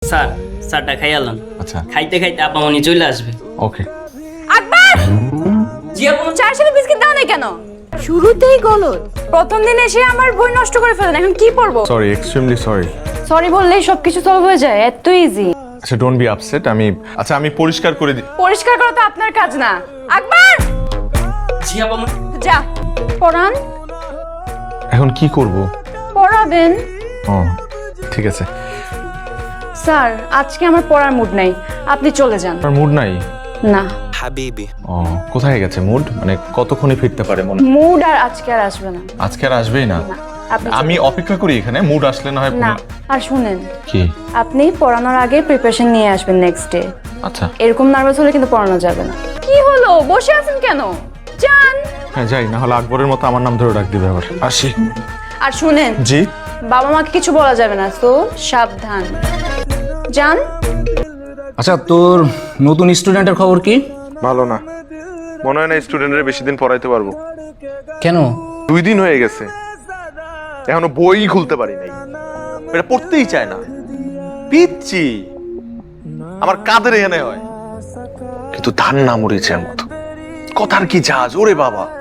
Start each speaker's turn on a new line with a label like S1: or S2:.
S1: Sir স্যারটা খাইয়ালাম।
S2: আচ্ছা
S1: খাইতে খাইতে আপা মনি চলে আসবে।
S2: ওকে।
S3: আকবর,
S1: জি আপা।
S3: চায়ের সাথে বিস্কিট দাও না কেন? শুরুতেই গলদ। প্রথম দিন এসে আমার বই নষ্ট করে ফেলেন, এখন কি পড়বো?
S2: Sorry, extremely sorry.
S3: সরি বললেই সবকিছু সলভ হয়ে যায়, এত ইজি।
S2: আচ্ছা ডোন্ট বি আপসেট। আমি পরিষ্কার করে দিই।
S3: পরিষ্কার করা তো আপনার কাজ না। আকবর,
S1: জি আপা মনি।
S3: যা পড়ান।
S2: এখন কি করব?
S3: পড়াবেন।
S2: ও ঠিক আছে।
S3: স্যার আজকে আমার পড়ার মুড নাই, আপনি চলে যান।
S2: আপনার মুড নাই?
S3: না,
S2: ও কোথায় গেছে মুড? মানে কতক্ষণে ফিরতে পারে মনে?
S3: মুড আর আজকে আর আসবে না।
S2: আজকে আর আসবেই না?
S3: না, আপনি
S2: আমি অপেক্ষা করি এখানে, মুড আসলে না হয়।
S3: না। আর শুনেন,
S2: কি?
S3: আপনি পড়ানোর আগে প্রিপারেশন নিয়ে আসবেন নেক্সট ডে।
S2: আচ্ছা
S3: এরকম নার্ভাস হলে কিন্তু পড়ানো যাবে না। কি হলো, বসে আছেন কেন? যান।
S2: হ্যাঁ যাই, না হলে আকবরের মতো আমার নাম ধরে ডাক দিবে আবার। আসি।
S3: আর শুনেন,
S2: জি।
S3: বাবা মাকে কিছু বলা যাবে না, তো সাবধান। যান।
S4: আচ্ছা, তোর নতুন স্টুডেন্টের খবর কি?
S2: ভালো না, মনে হয় না স্টুডেন্টদের বেশি দিন পড়াইতে পারবো।
S4: কেন?
S2: 2 দিন হয়ে গেছে, এখনো বই খুলতে পারি নাই। এটা পড়তেই চায় না, পিচ্ছি। আমার কাদের এখানে হয়, কিন্তু ধান না মরিচের মতো। কথার কি জাহাজ ওরে বাবা।